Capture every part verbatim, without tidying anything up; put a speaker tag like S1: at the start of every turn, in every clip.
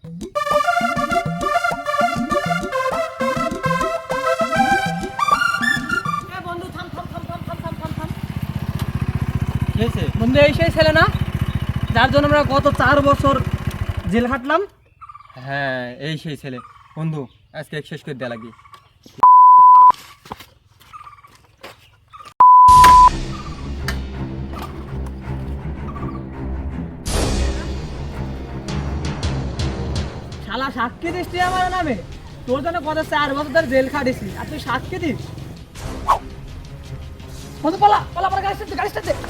S1: বন্ধু এই সেই ছেলে না যার জন্য আমরা গত চার বছর জেল খাটলাম?
S2: হ্যাঁ এই সেই ছেলে। বন্ধু আজকে শেষ করে দেওয়া লাগবে।
S1: শালা সাক্ষী দিস তুই আমার নামে? তোর জন্য গত চার বছর ধরে জেল খাটিছি আর তুই সাক্ষী দিস? বন্ধু পালা পালা পালা, গাড়ি স্টার্ট গাড়ি স্টার্ট দে।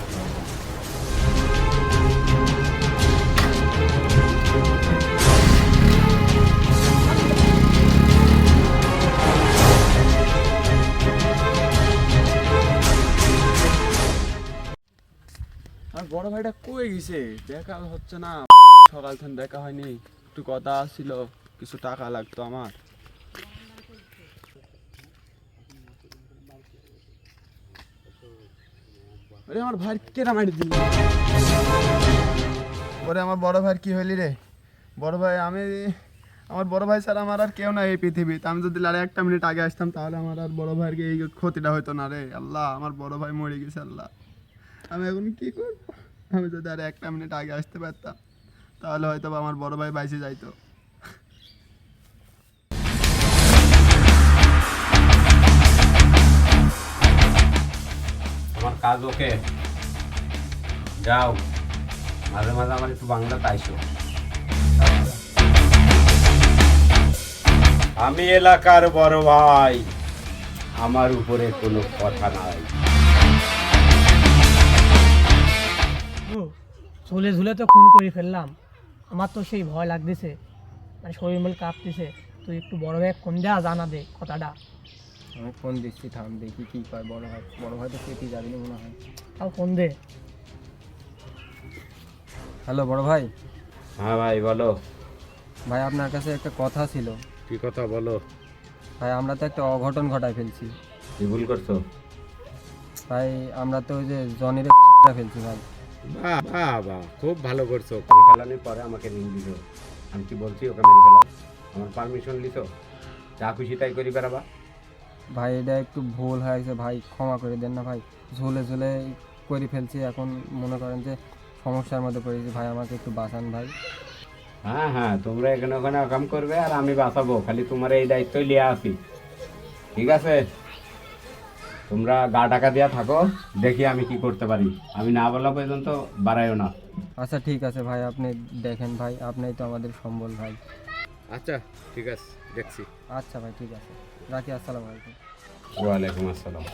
S3: আর বড় ভাইটা কই গেছে? দেখা হচ্ছে না, সকাল থেকে দেখা হয়নি। একটু কথা ছিল, কিছু টাকা লাগতো আমার। আরে আমার ভাই কেরা মারি দিল? ওরে আমার বড় ভাই কি হইলি রে? বড় ভাই আমি, আমার বড় ভাই স্যার আমার আর কেউ না এই পৃথিবীতে। আমি যদি আর একটা মিনিট আগে আসতাম তাহলে আমার আর বড় ভাইয়ের এই ক্ষতিটা হইতো না রে। আল্লাহ, আমার বড় ভাই মরে গেছে। আল্লাহ, আমি এখন কি করবো? আমি যদি আর একটা মিনিট আগে আসতে পারতাম তাহলে হয়তো আমার বড় ভাই বাইসে যাইতো।
S4: আমার কাজ ওকে, যাও মাঝে মাঝে আমার একটু বাংলাতে আইসো। আমি এলাকার বড় ভাই, আমার উপরে কোনো কথা নাই।
S1: ঝুলে ঝুলে তো খুন করে ফেললাম, আমার তো সেই ভয় লাগতেছে, মানে শরীর মল কাঁপতেছে। তুই একটু বড় ভাই ফোন দেয়া, জানা দে কথাটা।
S2: আমি ফোন দিচ্ছি, থাম দেখি কি কয় বড় ভাই। বড় ভাই তো কেটে যাবি না মনে হয়।
S1: তাও ফোন দে।
S2: হ্যালো বড় ভাই।
S4: হ্যাঁ ভাই বলো।
S2: ভাই আপনার কাছে একটা কথা ছিল।
S4: কি কথা বলো?
S2: ভাই আমরা তো একটা অঘটন ঘটায় ফেলছি।
S4: কি ভুল করছো?
S2: ভাই আমরা তো ওই যে জনিরে ফেলছি ভাই।
S4: বাহ বাহ বাহ, খুব ভালো করছো। তুমি ফেলানোর পরে আমাকে নিয়ে দিছো। আমি কি বলছি ওকে মেরে ফেলাও? আমার পারমিশন লিছো? যা খুশি তাই করি বেড়াবা।
S2: ভাই এটা একটু ভুল হয়ে গেছে ভাই, ক্ষমা করে দেন না ভাই। ঝুলে ঝুলে করে ফেলছি, এখন মনে করেন যে সমস্যার মধ্যে পড়েছি ভাই, আমাকে একটু বাঁচান ভাই।
S4: হ্যাঁ হ্যাঁ, তোমরা এখানে ওখানে কাম করবে আর আমি বাঁচাবো, খালি তোমার এই দায়িত্বই লিয়ে আসি। ঠিক আছে, তোমরা গা টাকা দিয়া থাকো, দেখি আমি কি করতে পারি। আমি না বলা পর্যন্ত বাড়াইও না।
S2: আচ্ছা ঠিক আছে ভাই, আপনি দেখেন ভাই, আপনিই তো আমাদের সম্বল ভাই।
S4: আচ্ছা ঠিক আছে, দেখছি।
S2: আচ্ছা ভাই ঠিক আছে, রাখি। আসসালামু আলাইকুম।
S4: ওয়ালাইকুম আসসালাম।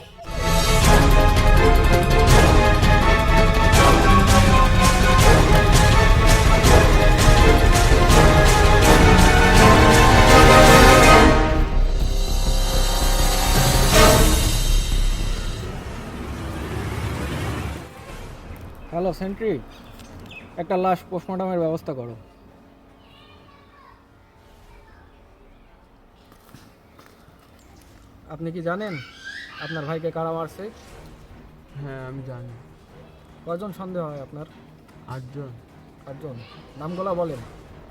S1: হ্যালো সেন্ট্রি, একটা লাশ পোস্টমর্টমের ব্যবস্থা করো। আপনি কি জানেন আপনার ভাইকে কারা মারছে?
S3: হ্যাঁ আমি জানি।
S1: কয়জন সন্দেহ হয় আপনার?
S3: আটজন।
S1: আটজন, নামগুলো বলেন।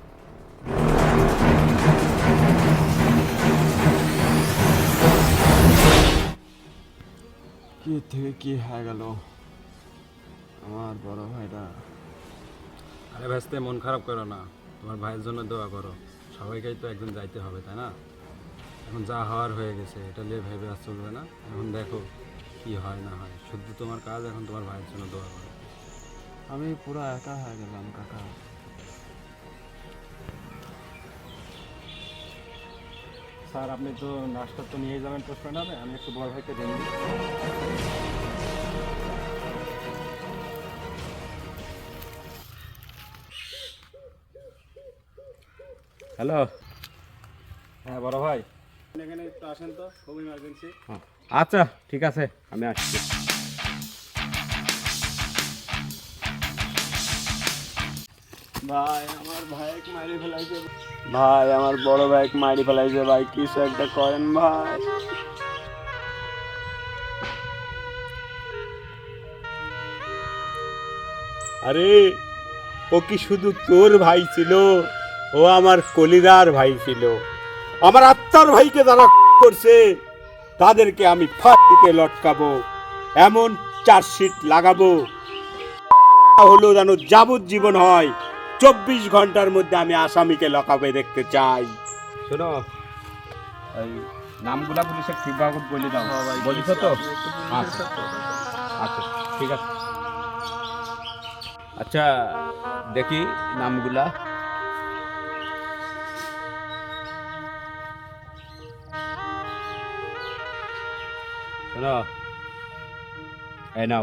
S3: কি থেকে কি হয়ে গেল আমার বড় ভাইটা?
S5: আরে ভাইস্তে, মন খারাপ করো না, তোমার ভাইয়ের জন্য দোয়া করো। সবাইকেই তো একদিন যাইতে হবে, তাই না? এখন যা হওয়ার হয়ে গেছে, এটা নিয়ে ভেবে আর চলবে না। এখন দেখো কি হয় না হয়, শুধু তোমার কাজ এখন তোমার ভাইয়ের জন্য দোয়া করো।
S3: আমি পুরো একা হয়ে গেলাম কাকা।
S5: স্যার আপনি তো নাস্তা তো নিয়ে যাবেন পোস্টম্যানে, আমি একটু বড় ভাইকে দিন।
S4: হ্যালো।
S5: হ্যাঁ বড় ভাই, এখানে একটু আসেন তো, খুব ইমার্জেন্সি।
S4: আচ্ছা ঠিক আছে, আমি আসছি।
S3: ভাই আমার ভাইক মারি ফেলাইছে। ভাই আমার বড় ভাইক মারি ফেলাইছে। ভাই কিছু একটা করেন ভাই।
S4: আরে ও কি শুধু তোর ভাই ছিল ও আমার কলিদার ভাই ছিল। আমার আত্মার ভাইকে যারা করছে তাদেরকে আমি ফাঁসিতে লটকাবো, এমন চার্জশিট লাগাবো হলো যেন যাবজ্জীবন হয়। চব্বিশ ঘন্টার মধ্যে আমি আসামিকে লকাবে দেখতে চাই। শোনো, এই নামগুলা পুলিশের ঠিকভাবে বলে দাও। বলিস তো? আচ্ছা আচ্ছা ঠিক আছে। আচ্ছা দেখি নামগুলা। শোনো, এই নাও।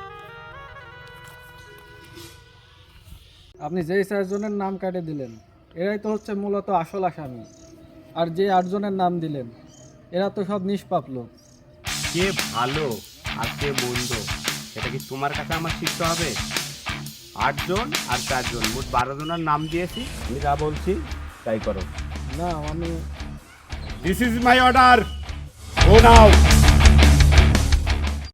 S6: আপনি যেই চারজনের নাম কাটে দিলেন এরাই তো হচ্ছে মূলত আসল আসামি, আর যে আটজনের নাম দিলেন এরা তো সব নিষ্পাপ লোক।
S4: কে ভালো আর কে মন্দ এটা কি তোমার কাছে আমার শিখতে হবে? আটজন আর চারজন, মোট বারো জনের নাম দিয়েছি। আমি যা বলছি তাই করো।
S6: না আমি
S4: this is my order, go now.